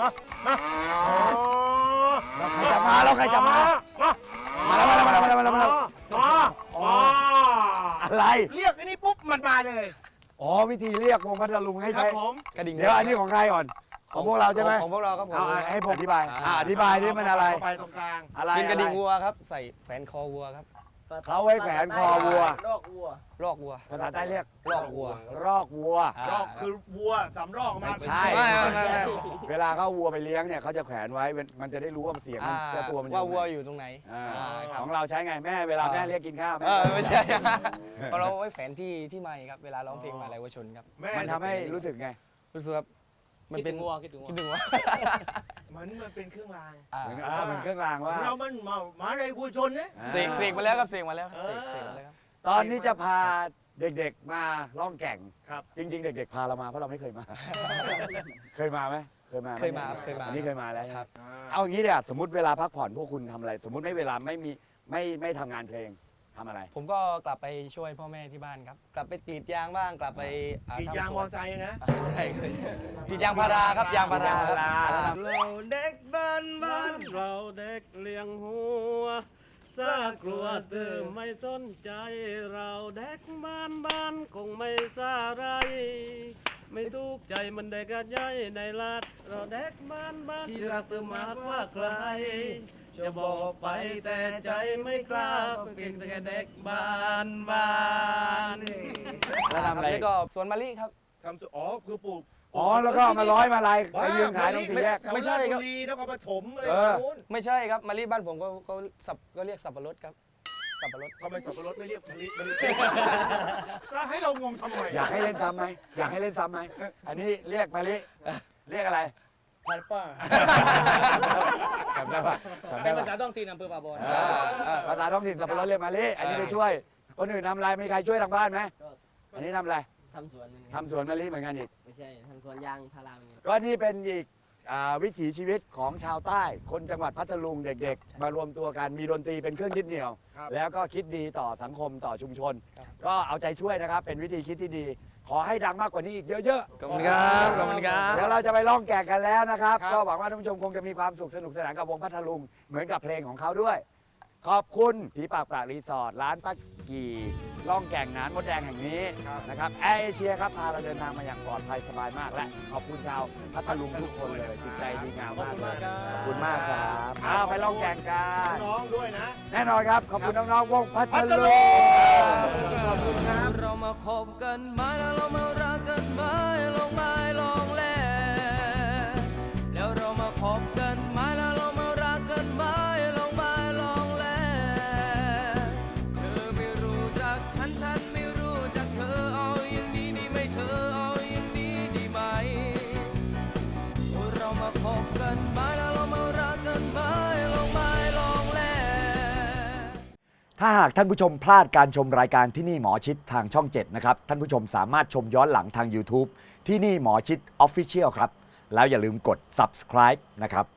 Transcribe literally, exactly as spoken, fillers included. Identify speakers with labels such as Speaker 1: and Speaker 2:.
Speaker 1: มามา
Speaker 2: แล้วใครจะมาแล้วใครจะมามาแล้วมาแล้วมาแล้วมาแล้วมาแล้วมาแล้วอะไร
Speaker 1: เรียกอันนี้ปุ๊บมันมาเลย
Speaker 2: อ๋อวิธีเรียกวงพัทลุงให้
Speaker 1: ครั
Speaker 2: ใช้
Speaker 1: บผม
Speaker 3: กระดิ่ง
Speaker 2: เดี๋ยวอันนี้ของใครก่อนของพวกเราใช่ไหม
Speaker 3: ของพวกเราครับผม
Speaker 2: เอาให้ผมอธิบายอ่าอธิบายนี่มันอะไร
Speaker 1: ไปตรงกลาง
Speaker 2: อะไร
Speaker 3: เป็นกระดิ่งวัวครับใส่แขวนคอวัวครับ
Speaker 2: เขาไว้แขวนคอวัว
Speaker 4: รอกวัว
Speaker 3: รอกวัว
Speaker 2: ภาษาใต้เรียก
Speaker 3: รอกวัว
Speaker 2: รอกวัว
Speaker 1: รอกคือวัวสำรอกมา
Speaker 2: ใช่
Speaker 3: ไม่ไม่ไม่ไม่
Speaker 2: เวลาเขาวัวไปเลี้ยงเนี่ยเขาจะแขวนไว้มันจะได้รู้ว่าเสียงมันจะตัวมัน
Speaker 3: ว่าวัว
Speaker 2: อยู่
Speaker 3: อยู่ตรงไหน
Speaker 2: อ่า
Speaker 3: อ่าครับ
Speaker 2: ของเราใช้ไงแม่เวลาแม่เรียกกินข้าว
Speaker 3: เออไม่ใช่เพราะเราไว้แขวนที่ที่ไมค์ครับเวลาร้องเพลงมาลัยวชนครับ
Speaker 1: แม่
Speaker 2: มันทำให้รู้สึกไง
Speaker 3: รู้สึกว่ามันเป็น
Speaker 4: คิดถึงวัวคิดถึงวัว
Speaker 3: คิดถึงวัว
Speaker 1: เหมือนมันเป็นเครื่องราง
Speaker 3: อ่า
Speaker 2: เหมือนอ่ามันเครื่องรางว่า
Speaker 1: เรามันมามาในวัวชนเนี่ย
Speaker 2: อ่า
Speaker 3: เสกเสกมาแล้วครับเสกมาแล้วครับเสกเสกมาแล้วครับ
Speaker 2: ตอนนี้จะพาเด็กๆมาล่องแก่ง
Speaker 1: ครับ
Speaker 2: จริง ๆ เด็ก ๆ พาเรามาเพราะเราไม่เคยมา เคยมาไหมเคยมาไห
Speaker 3: เคยมาครับเคยมา
Speaker 2: อันนี้เคยมาแล้ว
Speaker 3: ครับ
Speaker 2: เอาอย่างนี้เดี๋ยวสมมติเวลาพักผ่อนพวกคุณทำอะไร สมมติไม่เวลาไม่มีไม่ไม่ทำงานเพลงทำอะไร
Speaker 3: ผมก็กลับไปช่วยพ่อแม่ที่บ้านครับ กลับไปกรีดยางบ้างกลับไปอ่
Speaker 1: กี่ยาง
Speaker 3: ทำส
Speaker 1: ม
Speaker 3: ว
Speaker 1: อน ไซค์นะ
Speaker 3: ใช่กรีดยางพาราครับยางพาราครับ
Speaker 2: ยางพารา
Speaker 3: อ่า
Speaker 4: เราเด็กบ้านบ้านเราเด็กเลี้ยงหัวซากลัวเธอไม่สนใจ เราเด็กบ้านบ้านคงไม่ซาไร ไม่ทุกข์ใจมันเด็กกระย่อยในลัดเราเด็กบ้านบ้านที่รักเธอมากกว่าใคร จะบอกไปแต่ใจไม่กล้าเพียงแต่เด็กบ้านบ้าน
Speaker 2: แล้วทำอะไร
Speaker 3: แล้วก็สวนมะลิครับ
Speaker 1: ทำสุอ๋อคือปลูก
Speaker 2: อ๋อแล้วก็เอามาร้อยมาลายไปยืนขายตรงสี่แยก
Speaker 3: ไม่ใช่ครับ
Speaker 1: แถวาชบุรีนครปฐมอะไร
Speaker 2: เออ
Speaker 1: นู้น
Speaker 3: ไม่ใช่ครับมะลิบ้านผมก็ก็สับก็เรียกสับปะรดครับสับปะรด
Speaker 1: ทำไมสับปะรดไม่เรียกมะลิมะลิก็ให้เรางงทำไม
Speaker 2: อยากให้เล่นซ้ำไหมอยากให้เล่นซ้ำไหมอันนี้เรียกมาลิเรียกอะไร
Speaker 4: พันป้า
Speaker 2: จำได้ปะจำ
Speaker 4: เป็
Speaker 2: ได้
Speaker 4: น
Speaker 2: ปะ
Speaker 4: ภาษาท้องถิ่นอำเภอป่าบอน
Speaker 2: อ่าอ่าภาษาท้องถิ่นสับปะรดเรียกมาลิอันนี้ไปช่วย คนอื่นทำอะไรมีใครช่วยทางบ้านไหมอันนี้ทำอะไร
Speaker 4: ทำสวน
Speaker 2: ทำสวนมะลิเหมือนกันอีก
Speaker 4: ไม่ใช่ทำสวนยางพารา
Speaker 2: ก็นี่เป็นอีกอ่าวิถีชีวิตของชาวใต้ คนจังหวัดพัทลุงเด็กๆ มารวมตัวกันมีดนตรีเป็นเครื่องยึดเหนี่ยว
Speaker 1: ครับ
Speaker 2: แล้วก็คิดดีต่อสังคมต่อชุมชน ก็เอาใจช่วยนะครับ เป็นวิธีคิดที่ดี ขอให้ดังมากกว่านี้อีกเยอะ
Speaker 3: ขอบคุณครับขอบคุณครั
Speaker 2: ๆ
Speaker 3: บ
Speaker 2: เดี๋ยวเราจะไปล่องแก่งกันแล้วนะครับ
Speaker 3: ครับ
Speaker 2: ก็หวังว่าท่านผู้ชมคงจะมีความสุขสนุกสนานกับวงพัทลุงเหมือนกับเพลงของเขาด้วย ขอบคุณผีปากปลารีสอร์ทร้านป้ากี่ล่องแก่งนานมดแดงแห่งนี้นะครับแอร์เอเชียครับพาเราเดินทางมาอย่างปลอดภัยสบายมากและขอบคุณชาวพัทลุงทุกคนเลยจิตใจดีงามมากเลยขอบคุณมากครับอ้าวไปล่องแก่งกัน
Speaker 1: น้องด้วยนะ
Speaker 2: แน่นอนครับขอบคุณน้องๆวงพัท
Speaker 1: พัท
Speaker 2: ลุ
Speaker 1: ลุ
Speaker 2: ง
Speaker 1: งขอบคุณครับ
Speaker 4: เรามาคบกันไหมแล้วเรามารักกันไหมลองไม้ลองแลแล้วเรามาคบกันไหมแล้วเรามารักกันไหมลองไม้ลองแลเธอไม่รู้จักฉันฉันไม่รู้จักเธอเอาอย่างนี้ดีไหมเธอเอาอย่างนี้ดีไหมเรามาคบกันไหมแล้วเรามารักกันไหมลองไม้ลองแล
Speaker 2: ถ้าหากท่านผู้ชมพลาดการชมรายการที่นี่หมอชิดทางช่องเจ็ดนะครับท่านผู้ชมสามารถชมย้อนหลังทาง YouTube ที่นี่หมอชิด Official ครับแล้วอย่าลืมกด Subscribe นะครับ